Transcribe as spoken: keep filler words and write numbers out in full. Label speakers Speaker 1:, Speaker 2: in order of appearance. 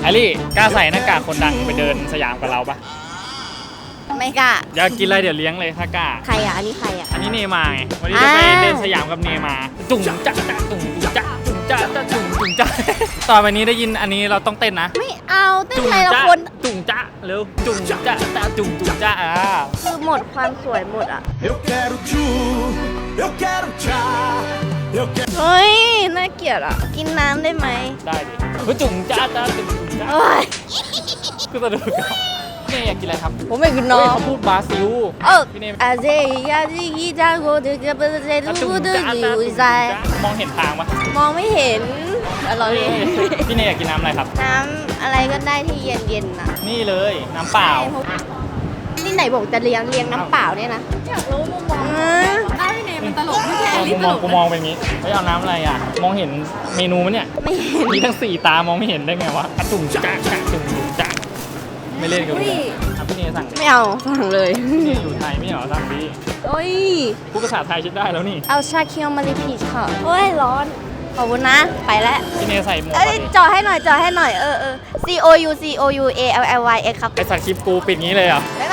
Speaker 1: ไอรี่กล้าใส่หน้ากากคนดังไปเดินสยามกับเราปะ
Speaker 2: ไม่กล้า
Speaker 1: อยากกินอะไรเดี๋ยวเลี้ยงเลยถ้ากล้า
Speaker 2: ใครอ่ะอันนี้ใครอ่ะ
Speaker 1: อันนี้เนมาไงวันนี้จะไปเดินสยามกับเนมาจุ่งจ๊ะจ๊ะจุ่งจ๊ะจุ่งจ๊ะจ๊ะจุ่งจุ่งจ๊ะต่อไปนี้ได้ยินอันนี้เราต้องเต้นนะ
Speaker 2: ไม่เอาเต้นอะไรละคน
Speaker 1: จุ่งจ๊ะเร็วจุ่งจ๊ะจ๊ะจุ่งจุ่งจ๊ะอ่า
Speaker 2: คือหมดความสวยหมดอ่ะเฮ้ยน่าเกลียดอ่ะกินน้ำได้ไหม
Speaker 1: ได้ดิคือจุ่งจ๊ะจ๊ะจุ่งจุ่งจ๊ะคือสะดุดกันพี่เนยอยากกินอะไรครับ
Speaker 2: ผมไม่กินน้อง
Speaker 1: เขาพูดบราซิล
Speaker 2: เอออาเซียจีกีจาโกเดกเบเซดูดูดูใจ
Speaker 1: มองเห็นทางปะ
Speaker 2: มองไม่เห็นอร่อย
Speaker 1: พี่เนยอยากกินน้ำอะไรครับ
Speaker 2: น้ำอะไรก็ได้ที่เย็นๆนะ
Speaker 1: นี่เลยน้ำเปล่า
Speaker 2: ที่ไหนบอกจะเลี้ยงเลี้ยงน้ำเปล่าเนี่ยนะอยากรู้มุมมองได้พี่เนยมันตลกไม่แพ้
Speaker 1: กูมองกูมองเป็นงี้เฮ้ยเอาน้ำอะไรอ่ะมองเห็นเมนูมั้ยเนี่ย
Speaker 2: ไม่เห็น
Speaker 1: มีทั้งสี่ตามองไม่เห็นได้ไงวะจุ่มจ๊ะจ๊ะจุ่มจ๊ะไม่เล่นกับกูพี่เนยสั่ง
Speaker 2: ไม่เอาสั่งเลย
Speaker 1: พี่เนยอยู่ไทยไม่เหรอสั่งดี
Speaker 2: โอ้ย
Speaker 1: พูดภาษาไทยชิดได้แล้วนี่
Speaker 2: เอาชาเคียวมาริพีชค่ะโอ้ยร้อนขอบคุณนะไปแล้ว
Speaker 1: พี่เนยใส่หมวก
Speaker 2: เอ้ยจอให้หน่อยจอให้หน่อยเออเออ C O U C O U A L L Y X ครับ
Speaker 1: ไอสัตว์คลิปกูปิดงี้เลยเหรอ
Speaker 2: บ๊ายบาย